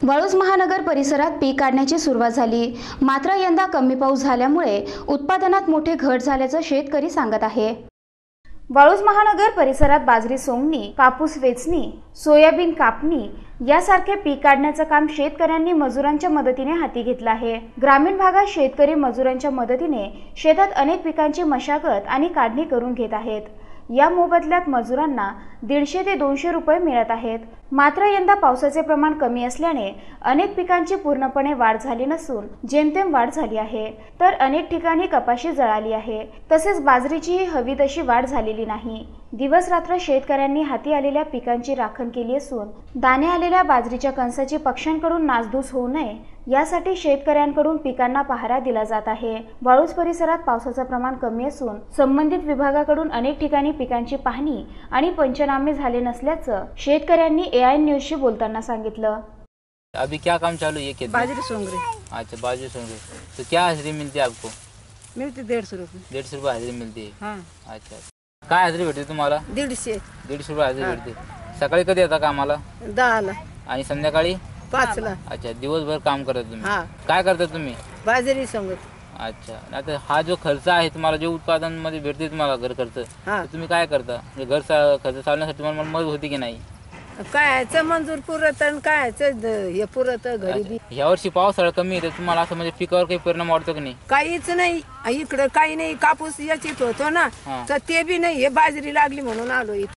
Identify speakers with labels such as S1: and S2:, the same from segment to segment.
S1: वाळूज महानगर परिसरात पीक काढण्याची सुरुवात झाली, मात्र यंदा कमी पाऊस झाल्यामुळे उत्पादनात मोठे घट झाल्याचं शेतकरी सांगत आहे। वाळूज महानगर परिसरात बाजरी सोंगणी, कापूस वेचणी, सोयाबीन कापणी यासारखे पीक काढण्याचं काम शेतकऱ्यांनी मजुरांच्या मदतीने हाती घेतलं आहे। ग्रामीण भागात शेतकरी मजुरांच्या मदतीने शेतात अनेक पिकांची मशागत आणि काढणी करून घेत आहेत। या मोबदल्यात मजुरांना 150 ते 200 रुपये मिळत आहेत। मात्र यंदा पावसाचे प्रमाण कमी असल्याने अनेक पिकांची पूर्णपणे वाढ झाली नसून जेमतेम वाढ झाली आहे, तर अनेक ठिकाणी कपाशी जळाली आहे। तसेच बाजरीचीही हवी तशी वाढ झालेली नाही। दिवस रात्र शेतकऱ्यांनी हाती आलेल्या पिकांची राखण केली असून दाणे आलेल्या बाजरीच्या कणसाची पक्ष्यांकडून नासधूस होऊ नये यासाठी शेतकऱ्यांकडून पिकांना पहारा दिला जात आहे। वाळूज परिसरात पावसाचं प्रमाण कमी असून संबंधित विभागाकडून अनेक ठिकाणी पिकांची पाहणी आणि पंचनामे झाले नसल्याचं शेतकऱ्यांनी AI न्यूजशी बोलताना सांगितलं।
S2: अभी क्या काम चालू है?
S3: बाजरी सोंग रही।
S2: अच्छा, बाजरी सोंग रही। तो क्या हाजिरी मिलती है आपको?
S3: मिलती 150 रुपये।
S2: 150 रुपये हाजिरी मिलती है।
S3: हाँ।
S2: अच्छा, काय हाजिरी भेटते तुम्हाला?
S3: 150।
S2: 150 रुपये हाजिरी भेटते। सकाळी कधी येता कामाला?
S3: 10 ला
S2: आणि संध्याकाळी
S3: 5 ला।
S2: अच्छा, दिवसभर काम करता तुम्ही?
S3: हाँ।
S2: काय करता तुम्ही?
S3: बाजरी सोंगत।
S2: अच्छा, आता हा जो खर्च आहे तुम्हाला, जो उत्पादन मध्ये भेटते तुम्हाला घर खर्च,
S3: हाँ।
S2: तुम्ही काय करता? म्हणजे घर खर्च चालण्यासाठी तुम्हाला मदत होती की नाही?
S3: कायचं मंजूर पुरत आणि कायचं हे पुरत घरी बी।
S2: यावर्षी पावसाळा कमी आहे, तर तुम्हाला असं म्हणजे पिकावर काही परिणाम वाटतो की नाही?
S3: काहीच नाही इकडं, काही नाही। कापूस याचीत होतो ना, तर ते बी नाही। हे बाजरी लागली म्हणून आलो इथं।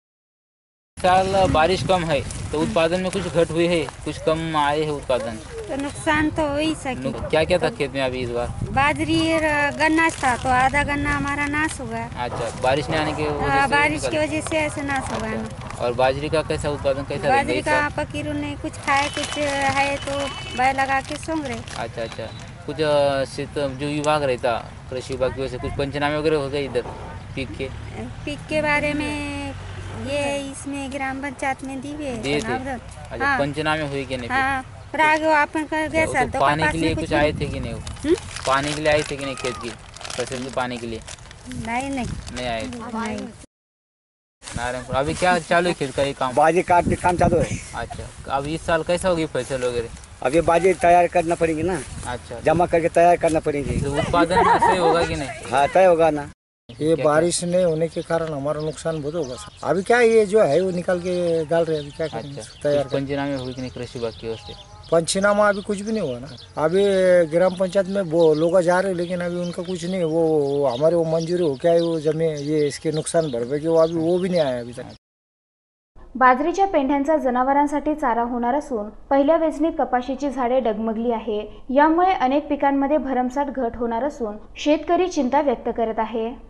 S2: साल बारिश कम है तो उत्पादन में कुछ घट हुई है, कुछ कम आए है उत्पादन?
S4: तो नुकसान तो हो ही सके।
S2: क्या क्या था खेत में अभी इस बार?
S4: बाजरी गन्ना था तो आधा गन्ना हमारा नाश हुआ।
S2: अच्छा, बारिश नहीं आने की वजह से?
S4: बारिश की वजह से ऐसे नाश हुआ ना।
S2: और बाजरी का कैसा उत्पादन, कैसा?
S4: बाजरी का पकीरू नहीं कुछ खाए, कुछ है तो बैल लगा के सोंग रहे।
S2: अच्छा अच्छा, कुछ जो विभाग रहता कृषि विभाग की वजह से कुछ पंचनामे वगैरह हो गए इधर पीक के
S4: बारे में? ये इसमें ग्राम पंचायत में दिए थे।
S2: अच्छा,
S4: हाँ।
S2: पंचनामे हुए कि नहीं?
S4: हाँ, अपन कर गए सर।
S2: तो पानी के लिए कुछ आए थे कि नहीं? पानी के लिए आए थे कि नहीं खेत की फसल के पानी के लिए? नहीं आए थे। नारायणपुर अभी क्या चालू है खेत का ये काम?
S5: बाजरी काटने काम चालू है।
S2: अच्छा, अब इस साल कैसा होगी फसल वगैरह?
S5: अब ये बाजरी तैयार करना पड़ेगी ना।
S2: अच्छा,
S5: जमा करके तैयार करना पड़ेगी।
S2: तो उत्पादन सही होगा कि नहीं?
S5: हाँ, तय होगा ना।
S6: ये बारिश नहीं होने के कारण हमारा नुकसान बहुत होगा सर। अभी क्या ये जो है वो निकाल के डाल रहे हैं, अभी क्या करेंगे? तैयार
S2: पंचनामे हुए कि नहीं कृषि विभाग की ओर से?
S6: पंचनामा अभी कुछ भी नहीं हुआ ना। अभी ग्राम पंचायत में वो लोग जा रहे हैं, लेकिन अभी उनका कुछ नहीं। वो हमारे वो मंजूरी हो क्या है, वो जमीन ये इसके नुकसान भरपाई की वो भी नहीं आया अभी तक।
S1: बाजरीच्या पेंढ्यांचा जनावरांसाठी चारा होणार असून पहिल्या वेचणीत कपाशीची झाडे डगमगली आहे। यामुळे अनेक पिकांमध्ये भरमसाठ घट होणार असून शेतकरी चिंता व्यक्त करत आहे।